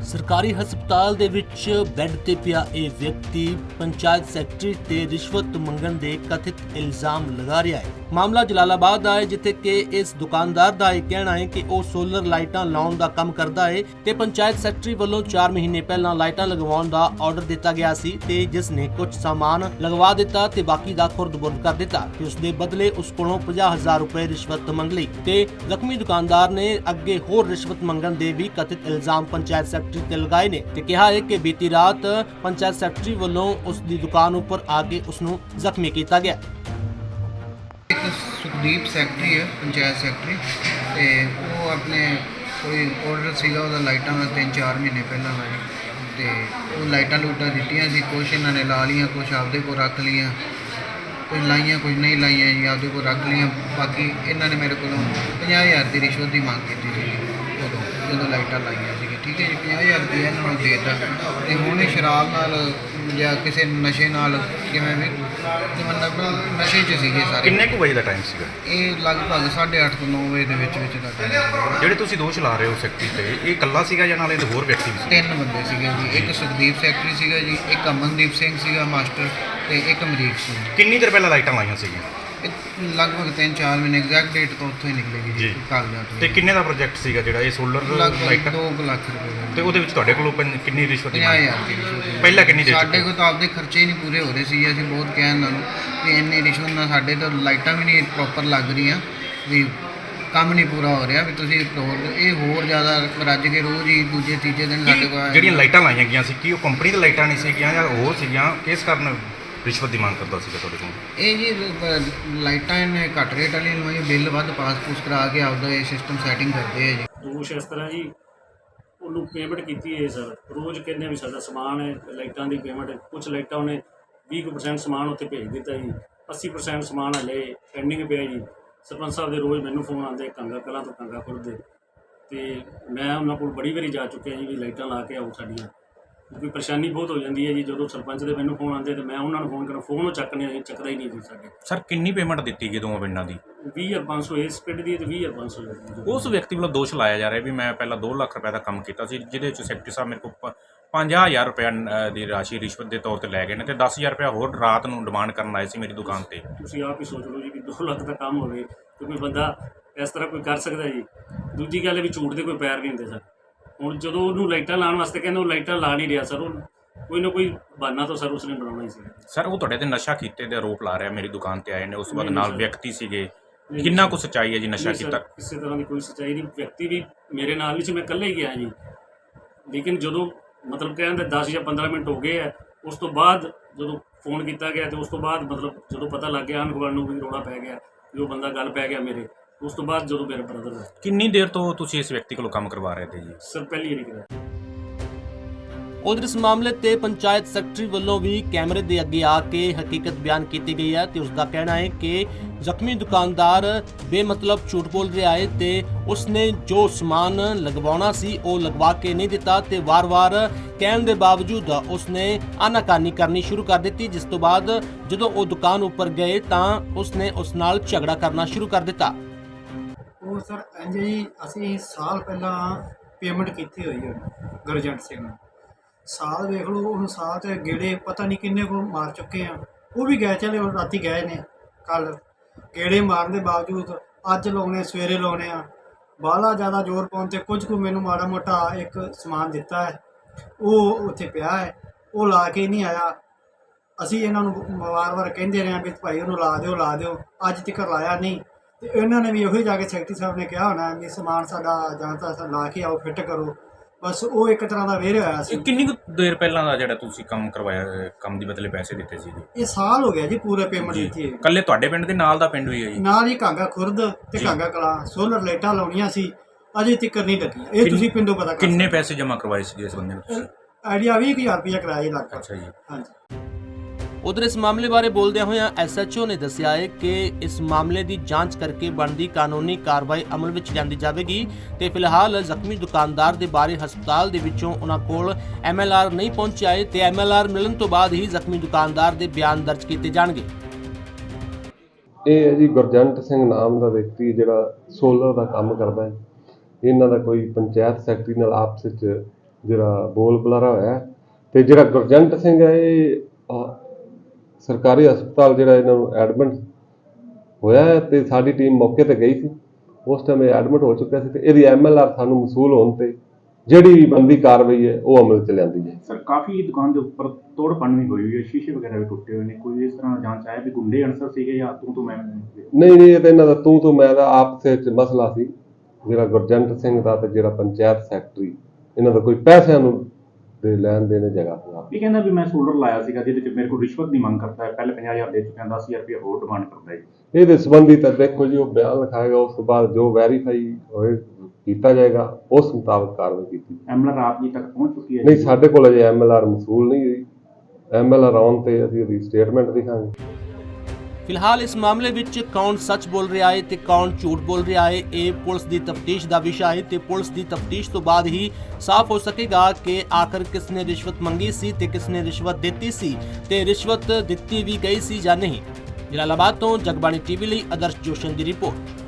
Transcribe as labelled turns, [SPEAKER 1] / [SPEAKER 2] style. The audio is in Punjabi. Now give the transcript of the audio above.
[SPEAKER 1] ਸਰਕਾਰੀ ਹਸਪਤਾਲ ਦੇ ਵਿੱਚ ਬੈੱਡ ਤੇ ਪਿਆ ਇਹ ਵਿਅਕਤੀ ਪੰਚਾਇਤ ਸੈਕਟਰੀ ਤੇ ਰਿਸ਼ਵਤ ਮੰਗਣ ਦੇ ਕਥਿਤ ਇਲਜ਼ਾਮ ਲਗਾ ਰਿਹਾ ਹੈ। ਮਾਮਲਾ ਜਲਾਲਾਬਾਦ ਦਾ ਹੈ, ਜਿੱਥੇ ਕਿ ਇਸ ਦੁਕਾਨਦਾਰ ਦਾ ਇਹ ਕਹਿਣਾ ਹੈ ਕਿ ਉਹ ਸੋਲਰ ਲਾਈਟਾਂ ਲਾਉਣ ਦਾ ਕੰਮ ਕਰਦਾ ਹੈ ਤੇ ਪੰਚਾਇਤ ਸੈਕਟਰੀ ਵੱਲੋਂ 4 ਮਹੀਨੇ ਪਹਿਲਾਂ ਲਾਈਟਾਂ ਲਗਵਾਉਣ ਦਾ ਆਰਡਰ ਦਿੱਤਾ ਗਿਆ ਸੀ ਤੇ ਜਿਸ ਨੇ ਕੁਝ ਸਾਮਾਨ ਲਗਵਾ ਦਿੱਤਾ ਤੇ ਬਾਕੀ ਦਾ ਖੁਰਦ-ਬੁਰਦ ਕਰ ਦਿੱਤਾ ਤੇ ਉਸ ਦੇ ਬਦਲੇ ਉਸ ਕੋਲੋਂ 50,000 ਰੁਪਏ ਰਿਸ਼ਵਤ ਮੰਗ ਲਈ ਤੇ ਜ਼ਖਮੀ ਦੁਕਾਨਦਾਰ ਨੇ ਅੱਗੇ ਹੋਰ ਰਿਸ਼ਵਤ ਮੰਗਣ ਦੇ ਵੀ ਕਥਿਤ ਇਲਜ਼ਾਮ ਪੰਚਾਇਤ ਸੈਕਟਰੀ ਤੇ ਲਗਾਏ ਨੇ ਤੇ ਕਿਹਾ ਹੈ ਕਿ ਬੀਤੀ ਰਾਤ ਪੰਚਾਇਤ ਸੈਕਟਰੀ ਵੱਲੋਂ ਉਸ ਦੀ ਦੁਕਾਨ ਉੱਪਰ ਆ ਕੇ ਉਸ ਨੂੰ ਜ਼ਖਮੀ ਕੀਤਾ ਗਿਆ।
[SPEAKER 2] एक सुखदीप सैकटरी है पंचायत सैकटरी तो वो अपने कोई ऑर्डर सीगा ਉਹਦਾ ਲਾਈਟਾਂ ਦਾ 3-4 ਮਹੀਨੇ ਪਹਿਲਾਂ ਲਾਇਆ ਤੇ ਉਹ ਲਾਈਟਾਂ ਲੂਟਾਂ ਦਿੱਤੀਆਂ ਸੀ, ਕੁਛ ਇਹਨਾਂ ਨੇ ਲਾ ਲਈਆਂ, ਕੁਛ ਆਪਦੇ ਕੋਲ ਰੱਖ ਲਈਆਂ, ਕੁਝ ਲਾਈਆਂ ਕੁਝ ਨਹੀਂ ਲਾਈਆਂ ਜੀ, ਆਪਦੇ ਕੋਲ ਰੱਖ ਲਈਆਂ। ਬਾਕੀ ਇਹਨਾਂ ਨੇ ਮੇਰੇ ਕੋਲੋਂ 50,000 ਦੀ ਰਿਸ਼ਵਤ ਦੀ ਮੰਗ ਕੀਤੀ ਸੀ ਉਦੋਂ ਜਦੋਂ ਲਾਈਟਾਂ ਲਾਈਆਂ ਸੀ। ਠੀਕ ਹੈ ਜੀ, 50,000 ਰੁਪਏ ਇਹਨਾਂ ਨੂੰ ਦੇ ਦਿੱਤਾ ਤੇ ਹੁਣ ਇਹ ਸ਼ਰਾਬ ਨਾਲ ਜਾਂ ਕਿਸੇ ਨਸ਼ੇ ਨਾਲ ਕਿਵੇਂ ਵੀ ਤੇ ਮਤਲਬ ਨਸ਼ੇ 'ਚ ਸੀਗੇ ਸਾਰੇ।
[SPEAKER 3] ਕਿੰਨੇ ਕੁ ਵਜੇ ਦਾ ਟਾਈਮ ਸੀਗਾ
[SPEAKER 2] ਇਹ ਲਗਭਗ 8:30 ਤੋਂ 9 ਵਜੇ ਦੇ ਵਿੱਚ ਦਾ ਟਾਈਮ ਸੀਗਾ।
[SPEAKER 3] ਜਿਹੜੇ ਤੁਸੀਂ ਦੋਸ਼ ਲਾ ਰਹੇ ਹੋ ਸੈਕਟਰੀ ਤੇ, ਇਹ ਇਕੱਲਾ ਸੀਗਾ ਜਾਂ ਨਾਲ ਇਹਦੇ ਹੋਰ ਵਿਅਕਤੀ ਵੀ ਸੀ?
[SPEAKER 2] 3 ਬੰਦੇ ਸੀਗੇ ਜੀ, ਇੱਕ ਸੁਖਦੀਪ ਸੈਕਟਰੀ ਸੀਗਾ ਜੀ, ਇੱਕ ਅਮਨਦੀਪ ਸਿੰਘ ਸੀਗਾ ਮਾਸਟਰ ਤੇ ਇੱਕ ਅਮਰੀਕ ਸਿੰਘ।
[SPEAKER 3] ਕਿੰਨੀ ਦੇਰ ਪਹਿਲਾਂ ਲਾਈਟਾਂ ਲਾਈਆਂ ਸੀਗੀਆਂ?
[SPEAKER 2] ਇਹ ਲਗਭਗ 3-4 ਮਹੀਨੇ ਐਗਜ਼ੈਕਟ ਡੇਟ ਤੋਂ ਉੱਥੋਂ ਹੀ ਨਿਕਲੇਗੀ ਜੀ ਕਾਗਜ਼ਾਂ ਤੋਂ।
[SPEAKER 3] ਤੇ ਕਿੰਨੇ ਦਾ ਪ੍ਰੋਜੈਕਟ ਸੀਗਾ ਜਿਹੜਾ ਇਹ ਸੋਲਰ
[SPEAKER 2] ਲਗਭਗ
[SPEAKER 3] ਲਾਈਟਾਂ?
[SPEAKER 2] 2 ਲੱਖ ਰੁਪਏ ਦਾ।
[SPEAKER 3] ਤੇ ਉਹਦੇ ਵਿੱਚ ਤੁਹਾਡੇ ਕੋਲੋਂ ਕਿੰਨੀ ਰਿਸ਼ਵਤ ਦੀ ਮੰਗ?
[SPEAKER 2] 50,000 ਦੀ ਰਿਸ਼ਵਤ।
[SPEAKER 3] ਪਹਿਲਾਂ ਕਿੰਨੀ ਦੇ
[SPEAKER 2] ਸਾਡੇ ਕੋਲ ਤਾਂ ਆਪਦੇ ਖਰਚੇ ਹੀ ਨਹੀਂ ਪੂਰੇ ਹੋ ਰਹੇ ਸੀ। ਅਸੀਂ ਬਹੁਤ ਕਹਿਣ ਨਾਲ ਵੀ ਇੰਨੀ ਰਿਸ਼ਵਤ ਨਾਲ ਸਾਡੇ ਤਾਂ ਲਾਈਟਾਂ ਵੀ ਨਹੀਂ ਪ੍ਰੋਪਰ ਲੱਗ ਰਹੀਆਂ, ਵੀ ਕੰਮ ਨਹੀਂ ਪੂਰਾ ਹੋ ਰਿਹਾ, ਵੀ ਤੁਸੀਂ ਹੋਰ ਜ਼ਿਆਦਾ ਰੱਜ ਕੇ ਰੋਜ਼ ਹੀ ਦੂਜੇ ਤੀਜੇ ਦਿਨ ਸਾਡੇ ਕੋਲ
[SPEAKER 3] ਜਿਹੜੀਆਂ ਲਾਈਟਾਂ ਲਾਈਆਂ ਗਈਆਂ ਸੀ, ਕੀ ਉਹ ਕੰਪਨੀ ਦੀਆਂ ਲਾਈਟਾਂ ਨਹੀਂ ਸੀਗੀਆਂ ਜਾਂ ਹੋਰ ਸੀਗੀਆਂ? ਕਿਸ ਕਾਰਨ ਰਿਸ਼ਵਤ ਦੀ ਮੰਗ ਕਰਦਾ ਸੀਗਾ ਤੁਹਾਡੇ ਕੋਲ?
[SPEAKER 2] ਇਹ ਜੀ ਲਾਈਟਾਂ ਇਹਨੇ ਘੱਟ ਰੇਟ ਵਾਲੀ ਲਵਾਈਆਂ, ਬਿੱਲ ਵੱਧ ਪਾਸ ਕਰਾ ਕੇ ਆਪਦਾ ਇਹ ਸਿਸਟਮ ਸੈਟਿੰਗ ਕਰਦੇ ਆ ਜੀ।
[SPEAKER 4] ਦੋਸ਼ ਇਸ ਤਰ੍ਹਾਂ ਜੀ, ਉਹਨੂੰ ਪੇਮੈਂਟ ਕੀਤੀ ਹੈ ਸਰ, ਰੋਜ਼ ਕਹਿੰਦੇ ਵੀ ਸਾਡਾ ਸਮਾਨ ਹੈ ਲਾਈਟਾਂ ਦੀ ਪੇਮੈਂਟ, ਕੁਝ ਲਾਈਟਾਂ ਉਹਨੇ 20% ਸਮਾਨ ਉੱਥੇ ਭੇਜ ਦਿੱਤਾ ਜੀ, 80% ਸਮਾਨ ਹਲੇ ਪੈਂਡਿੰਗ ਪਿਆ ਜੀ। ਸਰਪੰਚ ਸਾਹਿਬ ਦੇ ਰੋਜ਼ ਮੈਨੂੰ ਫੋਨ ਆਉਂਦੇ ਕਾਂਗਾ ਕਲਾਂ ਤੋਂ ਕਾਂਗਾ ਖੁਰਦ ਦੇ, ਤੇ ਮੈਂ ਉਹਨਾਂ ਕੋਲ ਬੜੀ ਵਾਰੀ ਜਾ ਚੁੱਕਿਆ ਜੀ ਵੀ ਲਾਈਟਾਂ ਲਾ ਕੇ ਆਓ ਸਾਡੀਆਂ, ਕਿਉਂਕਿ ਪਰੇਸ਼ਾਨੀ ਬਹੁਤ ਹੋ ਜਾਂਦੀ ਹੈ ਜੀ। ਜਦੋਂ ਸਰਪੰਚ ਦੇ ਮੈਨੂੰ ਫੋਨ ਆਉਂਦੇ ਤੇ ਮੈਂ ਉਹਨਾਂ ਨੂੰ ਫੋਨ ਕਰਾਂ, ਫੋਨ ਉਹ ਚੱਕਦਾ ਹੀ ਨਹੀਂ ਜੀ ਸਾਡੇ।
[SPEAKER 3] ਸਰ ਕਿੰਨੀ ਪੇਮੈਂਟ ਦਿੱਤੀ ਗਈ ਦੋਵਾਂ ਪਿੰਡਾਂ ਦੀ?
[SPEAKER 4] 20,500 ਇਸ ਪਿੰਡ ਦੀ ਤੇ 20,500
[SPEAKER 3] ਉਸ ਵਿਅਕਤੀ ਵੱਲੋਂ ਦੋਸ਼ ਲਾਇਆ ਜਾ ਰਿਹਾ ਵੀ ਮੈਂ ਪਹਿਲਾਂ 2 ਲੱਖ ਰੁਪਏ ਦਾ ਕੰਮ ਕੀਤਾ ਸੀ, ਜਿਹਦੇ ਵਿੱਚ ਸੈਕਟਰੀ ਸਾਹਿਬ ਮੇਰੇ ਕੋਲ 50,000 ਰੁਪਏ ਦੀ ਰਾਸ਼ੀ ਰਿਸ਼ਵਤ ਦੇ ਤੌਰ ਤੇ ਲੈ ਗਏ ਨੇ ਤੇ 10,000 ਰੁਪਏ ਹੋਰ ਰਾਤ ਨੂੰ ਡਿਮਾਂਡ ਕਰਨ ਆਏ ਸੀ ਮੇਰੀ ਦੁਕਾਨ ਤੇ।
[SPEAKER 4] ਤੁਸੀਂ ਆਪ ਹੀ ਸੋਚ ਲਓ ਜੀ ਕਿ 2 ਲੱਖ ਦਾ ਕੰਮ ਹੋਵੇ ਤੇ ਕੋਈ ਬੰਦਾ ਇਸ ਤਰ੍ਹਾਂ ਕੋਈ ਕਰ ਸਕਦਾ ਜੀ। ਦੂਜੀ ਗੱਲ ਹੈ ਵੀ ਝੂਠ ਦੇ ਕੋਈ ਪੈਰ ਨਹੀਂ ਹੁੰਦੇ ਸਰ। ਹੁਣ ਜਦੋਂ ਉਹਨੂੰ ਲਾਈਟਾਂ ਲਾਉਣ ਵਾਸਤੇ ਕਹਿੰਦੇ ਉਹ ਲਾਈਟਾਂ ਲਾ ਨਹੀਂ ਰਿਹਾ ਸਰ, ਉਹ ਕੋਈ ਨਾ ਕੋਈ ਬਹਾਨਾ ਤਾਂ ਸਰ ਉਸਨੇ ਬਣਾਉਣਾ ਹੀ ਸੀ। ਸਰ
[SPEAKER 3] ਉਹ ਤੁਹਾਡੇ ਤੇ ਨਸ਼ਾ ਕੀਤੇ ਦੇ ਆਰੋਪ ਲਾ ਰਿਹਾ, ਮੇਰੀ ਦੁਕਾਨ ਤੇ ਆਏ ਨੇ, ਉਸ ਤੋਂ ਬਾਅਦ ਨਾਲ ਵਿਅਕਤੀ ਸੀਗੇ, ਕਿੰਨਾ ਕੁ ਸੱਚਾਈ ਹੈ ਜੀ ਨਸ਼ਾ ਕੀਤਾ?
[SPEAKER 4] ਕਿਸੇ ਤਰ੍ਹਾਂ ਦੀ ਕੋਈ ਸੱਚਾਈ ਨਹੀਂ, ਵਿਅਕਤੀ ਵੀ ਮੇਰੇ ਨਾਲ ਵੀ ਸੀ, ਮੈਂ ਇਕੱਲਾ ਹੀ ਗਿਆ ਜੀ। ਲੇਕਿਨ ਜਦੋਂ ਮਤਲਬ ਕਹਿੰਦੇ 10 ਜਾਂ 15 ਮਿੰਟ ਹੋ ਗਏ ਹੈ, ਉਸ ਤੋਂ ਬਾਅਦ ਜਦੋਂ ਫੋਨ ਕੀਤਾ ਗਿਆ ਤੇ ਉਸ ਤੋਂ ਬਾਅਦ ਮਤਲਬ ਜਦੋਂ ਪਤਾ ਲੱਗ ਗਿਆ ਆਂਢ ਗੁਆਂਢ ਨੂੰ ਵੀ ਰੌਲਾ ਪੈ ਗਿਆ ਵੀ ਉਹ ਬੰਦਾ ਗੱਲ ਪੈ ਗਿਆ ਮੇਰੇ, ਉਸ ਤੋਂ ਬਾਅਦ ਜਦੋਂ ਮੇਰੇ ਬ੍ਰਦਰ ਦਾ।
[SPEAKER 3] ਕਿੰਨੀ ਦੇਰ ਤੋਂ ਤੁਸੀਂ ਇਸ ਵਿਅਕਤੀ ਕੋਲੋਂ ਕੰਮ ਕਰਵਾ ਰਹੇ ਤੇ ਜੀ?
[SPEAKER 4] ਸਰ ਪਹਿਲੀ ਵਾਰੀ ਕਰਿਆ।
[SPEAKER 1] ਉਧਰ ਇਸ ਮਾਮਲੇ ਤੇ ਪੰਚਾਇਤ ਸੈਕਟਰੀ ਵੱਲੋਂ ਵੀ ਕੈਮਰੇ ਦੇ ਅੱਗੇ ਆ ਕੇ ਹਕੀਕਤ ਬਿਆਨ ਕੀਤੀ ਗਈ ਹੈ ਤੇ ਉਸ ਦਾ ਕਹਿਣਾ ਹੈ ਕਿ ਜ਼ਖਮੀ ਦੁਕਾਨਦਾਰ ਬੇਮਤਲਬ ਝੂਠ ਬੋਲ ਰਿਹਾ ਹੈ ਤੇ ਉਸਨੇ ਜੋ ਸਮਾਨ ਲਗਵਾਉਣਾ ਸੀ ਉਹ ਲਗਵਾ ਕੇ ਨਹੀਂ ਦਿੱਤਾ ਤੇ ਵਾਰ-ਵਾਰ ਕਹਿਣ ਦੇ ਬਾਵਜੂਦ ਉਸਨੇ ਆਨਾਕਾਨੀ ਕਰਨੀ ਸ਼ੁਰੂ ਕਰ ਦਿੱਤੀ, ਜਿਸ ਤੋਂ ਬਾਅਦ ਜਦੋਂ ਉਹ ਦੁਕਾਨ ਉੱਪਰ ਗਏ ਤਾਂ ਉਸਨੇ ਉਸ ਨਾਲ ਝਗੜਾ ਕਰਨਾ ਸ਼ੁਰੂ ਕਰ ਦਿੱਤਾ।
[SPEAKER 5] ਉਹ ਸਰ ਇੰਝ ਜੀ, ਅਸੀਂ ਸਾਲ ਪਹਿਲਾਂ ਪੇਮੈਂਟ ਕੀਤੀ ਹੋਈ ਹੈ ਗੁਰਜੰਟ ਸਿੰਘ ਨੂੰ। ਸਾਲ ਵੇਖ ਲਓ, ਉਹਨੂੰ ਸਾਲ 'ਚ ਗੇੜੇ ਪਤਾ ਨਹੀਂ ਕਿੰਨੇ ਕੁ ਮਾਰ ਚੁੱਕੇ ਆ। ਉਹ ਵੀ ਗਏ, ਚਲੇ ਉਹ ਰਾਤੀ ਗਏ ਨੇ, ਕੱਲ੍ਹ ਗੇੜੇ ਮਾਰਨ ਦੇ ਬਾਵਜੂਦ ਅੱਜ ਲਾਉਣੇ ਸਵੇਰੇ ਲਾਉਣੇ ਆ। ਬਾਹਲਾ ਜ਼ਿਆਦਾ ਜ਼ੋਰ ਪਾਉਣ 'ਤੇ ਕੁਝ ਕੁ ਮੈਨੂੰ ਮਾੜਾ ਮੋਟਾ ਇੱਕ ਸਮਾਨ ਦਿੱਤਾ ਹੈ, ਉਹ ਉੱਥੇ ਪਿਆ ਹੈ, ਉਹ ਲਾ ਕੇ ਨਹੀਂ ਆਇਆ। ਅਸੀਂ ਇਹਨਾਂ ਨੂੰ ਵਾਰ-ਵਾਰ ਕਹਿੰਦੇ ਰਹੇ ਵੀ ਭਾਈ ਉਹਨੂੰ ਲਾ ਦਿਓ, ਅੱਜ ਤੱਕ ਲਾਇਆ ਨਹੀਂ। ਤੇ ਇਹਨਾਂ ਨੇ ਵੀ ਉਹੀ ਜਾ ਕੇ ਸੈਕਟਰੀ ਸਾਹਿਬ ਨੇ ਕਿਹਾ ਹੋਣਾ ਵੀ ਸਮਾਨ ਸਾਡਾ ਜਾਂ ਤਾਂ ਲਾ ਕੇ ਆਓ, ਫਿੱਟ ਕਰੋ, ਬਸ ਉਹ ਇੱਕ ਤਰ੍ਹਾਂ ਦਾ ਵੇਰ ਹੋਇਆ ਸੀ।
[SPEAKER 3] ਕਿੰਨੀ ਕੁ ਦੇਰ ਪਹਿਲਾਂ ਦਾ ਜਿਹੜਾ ਤੁਸੀਂ ਕੰਮ ਕਰਵਾਇਆ, ਕੰਮ ਦੀ ਬਦਲੇ ਪੈਸੇ ਦਿੱਤੇ ਸੀ ਜੀ?
[SPEAKER 5] ਇਹ ਸਾਲ ਹੋ ਗਿਆ ਜੀ ਪੂਰੇ ਪੇਮੈਂਟ ਦਿੱਤੀ ਹੈ।
[SPEAKER 3] ਇਕੱਲੇ ਤੁਹਾਡੇ ਪਿੰਡ ਦੇ ਨਾਲ ਦਾ ਪਿੰਡ ਵੀ ਹੈ ਜੀ?
[SPEAKER 5] ਨਾਲ ਹੀ ਕਾਂਗਾ ਖੁਰਦ ਤੇ ਕਾਂਗਾ ਕਲਾਂ ਸੋਲਰ ਲਾਈਟਾਂ ਲਾਉਣੀਆਂ ਸੀ, ਅਜੇ ਤੱਕ ਨਹੀਂ ਲੱਗੀ। ਇਹ ਤੁਸੀਂ ਪਿੰਡੋਂ ਪਤਾ ਕਰ
[SPEAKER 3] ਕਿੰਨੇ ਪੈਸੇ ਜਮ੍ਹਾਂ ਕਰਵਾਏ ਸੀ ਇਸ ਬੰਦੇ ਨੂੰ ਤੁਸੀਂ?
[SPEAKER 5] ਆਈਡੀਆ 20,000 ਰੁਪਇਆ ਕਿਰਾਇਆ ਲੱਗਾ।
[SPEAKER 3] ਅੱਛਾ ਜੀ।
[SPEAKER 5] ਹਾਂਜੀ।
[SPEAKER 1] ਉਧਰ ਇਸ ਮਾਮਲੇ ਬਾਰੇ ਬੋਲਦਿਆਂ ਹੋਇਆਂ ਐਸਐਚਓ ਨੇ ਦੱਸਿਆ ਹੈ ਕਿ ਇਸ ਮਾਮਲੇ ਦੀ ਜਾਂਚ ਕਰਕੇ ਬਣਦੀ ਕਾਨੂੰਨੀ ਕਾਰਵਾਈ ਅਮਲ ਵਿੱਚ ਲਿਆਂਦੀ ਜਾਵੇਗੀ ਤੇ ਫਿਲਹਾਲ ਜ਼ਖਮੀ ਦੁਕਾਨਦਾਰ ਦੇ ਬਾਰੇ ਹਸਪਤਾਲ ਦੇ ਵਿੱਚੋਂ ਉਹਨਾਂ ਕੋਲ ਐਮਐਲਆਰ ਨਹੀਂ ਪਹੁੰਚਿਆ ਹੈ ਤੇ ਐਮਐਲਆਰ ਮਿਲਣ ਤੋਂ ਬਾਅਦ ਹੀ ਜ਼ਖਮੀ ਦੁਕਾਨਦਾਰ ਦੇ ਬਿਆਨ ਦਰਜ ਕੀਤੇ ਜਾਣਗੇ।
[SPEAKER 6] ਇਹ ਹੈ ਜੀ ਗੁਰਜੰਟ ਸਿੰਘ ਨਾਮ ਦਾ ਵਿਅਕਤੀ ਜਿਹੜਾ ਸੋਲਰ ਦਾ ਕੰਮ ਕਰਦਾ ਹੈ। ਇਹਨਾਂ ਦਾ ਕੋਈ ਪੰਚਾਇਤ ਸੈਕਟਰੀ ਨਾਲ ਆਪਸ ਵਿੱਚ ਜਿਹੜਾ ਬੋਲ ਬੁਲਾਰਾ ਹੋਇਆ ਹੈ। ਤੇ ਜਿਹੜਾ ਗੁਰਜੰਟ ਸਿੰਘ ਹੈ ਇਹ ਸਰਕਾਰੀ ਹਸਪਤਾਲ ਜਿਹੜਾ ਇਹਨਾਂ ਨੂੰ ਐਡਮਿਟ ਹੋਇਆ ਹੈ ਤੇ ਸਾਡੀ ਟੀਮ ਮੌਕੇ ਤੇ ਗਈ ਸੀ। ਉਸ ਟਾਈਮ ਇਹ ਐਡਮਿਟ ਹੋ ਚੁੱਕਿਆ ਸੀ ਤੇ ਇਹਦੀ MLR ਸਾਨੂੰ ਮਸੂਲ ਹੋਣ ਤੇ ਜਿਹੜੀ ਵੀ ਬਣਦੀ ਕਾਰਵਾਈ ਹੈ ਉਹ ਅਮਲ 'ਚ ਲਿਆਂਦੀ ਹੈ।
[SPEAKER 7] ਸਰ ਕਾਫੀ ਦੁਕਾਨ ਦੇ ਉੱਪਰ ਤੋੜ ਭੰਨ ਵੀ ਹੋਈ ਹੈ, ਸ਼ੀਸ਼ੇ ਵਗੈਰਾ ਵੀ ਟੁੱਟੇ ਹੋਏ ਨੇ। ਕੋਈ ਇਸ ਤਰ੍ਹਾਂ ਜਾਂਚ ਆਇਆ ਵੀ ਗੁੰਡੇ ਅਨਸਰ ਸੀਗੇ ਜਾਂ ਤੂੰ ਮੈਂ?
[SPEAKER 6] ਨਹੀਂ ਇਹ ਤਾਂ ਇਹਨਾਂ ਦਾ ਤੂੰ ਮੈਂ ਦਾ ਆਪਸ ਵਿੱਚ ਮਸਲਾ ਸੀ, ਜਿਹੜਾ ਗੁਰਜੰਟ ਸਿੰਘ ਦਾ ਤੇ ਜਿਹੜਾ ਪੰਚਾਇਤ ਸੈਕਟਰੀ, ਇਹਨਾਂ ਦਾ ਕੋਈ ਪੈਸਿਆਂ ਨੂੰ ਦੇ ਲੈਣ ਦੇਣ ਜਗ੍ਹਾ ਸੀ।
[SPEAKER 7] ਇਹ ਕਹਿੰਦਾ ਵੀ ਮੈਂ ਸੋਲਰ ਲਾਇਆ ਸੀਗਾ ਜਿਹਦੇ 'ਚ ਮੇਰੇ ਕੋਲ ਰਿਸ਼ਵਤ ਦੀ ਮੰਗ ਕਰਦਾ ਹੈ, ਪਹਿਲੇ 50,000 ਦੇ ਚੁੱਕਿਆ, 10,000 ਰੁਪਏ ਹੋਰ ਡਿਮਾਂਡ ਕਰਦਾ ਹੈ।
[SPEAKER 6] ਇਹਦੇ ਸੰਬੰਧੀ ਤਾਂ ਦੇਖੋ ਜੀ ਉਹ ਬਿਆਨ ਲਿਖਾਏਗਾ, ਉਸ ਤੋਂ ਬਾਅਦ ਜੋ ਵੈਰੀਫਾਈ ਹੋਏ ਕੀਤਾ ਜਾਏਗਾ, ਉਸ ਮੁਤਾਬਕ ਕਾਰਵਾਈ ਕੀਤੀ।
[SPEAKER 7] MLR ਆਪ ਜੀ ਤੱਕ ਪਹੁੰਚ ਚੁੱਕੀ ਹੈ?
[SPEAKER 6] ਨਹੀਂ, ਸਾਡੇ ਕੋਲ ਅਜੇ MLR ਮਸੂਲ ਨਹੀਂ ਹੋਈ। MLR ਆਉਣ ਤੇ ਅਸੀਂ ਉਹਦੀ ਸਟੇਟਮੈਂਟ ਦਿਖਾਂਗੇ।
[SPEAKER 1] ਫਿਲਹਾਲ ਇਸ ਮਾਮਲੇ ਵਿੱਚ ਕੌਣ ਸੱਚ ਬੋਲ ਰਿਹਾ ਹੈ ਤੇ ਕੌਣ ਝੂਠ ਬੋਲ ਰਿਹਾ ਹੈ, ਇਹ ਪੁਲਿਸ ਦੀ ਤਫਤੀਸ਼ ਦਾ ਵਿਸ਼ਾ ਹੈ ਤੇ ਪੁਲਿਸ ਦੀ ਤਫਤੀਸ਼ ਤੋਂ ਬਾਅਦ ਹੀ ਸਾਫ਼ ਹੋ ਸਕੇਗਾ ਕਿ ਆਖਰ ਕਿਸ ਨੇ ਰਿਸ਼ਵਤ ਮੰਗੀ ਸੀ ਤੇ ਕਿਸ ਨੇ ਰਿਸ਼ਵਤ ਦਿੱਤੀ ਸੀ ਤੇ ਰਿਸ਼ਵਤ ਦਿੱਤੀ ਵੀ ਗਈ ਸੀ ਜਾਂ ਨਹੀਂ। ਜਲਾਲਾਬਾਦ ਤੋਂ ਜਗਬਾਣੀ ਟੀਵੀ ਲਈ ਆਦਰਸ਼ ਜੋਸ਼ਨ ਦੀ ਰਿਪੋਰਟ।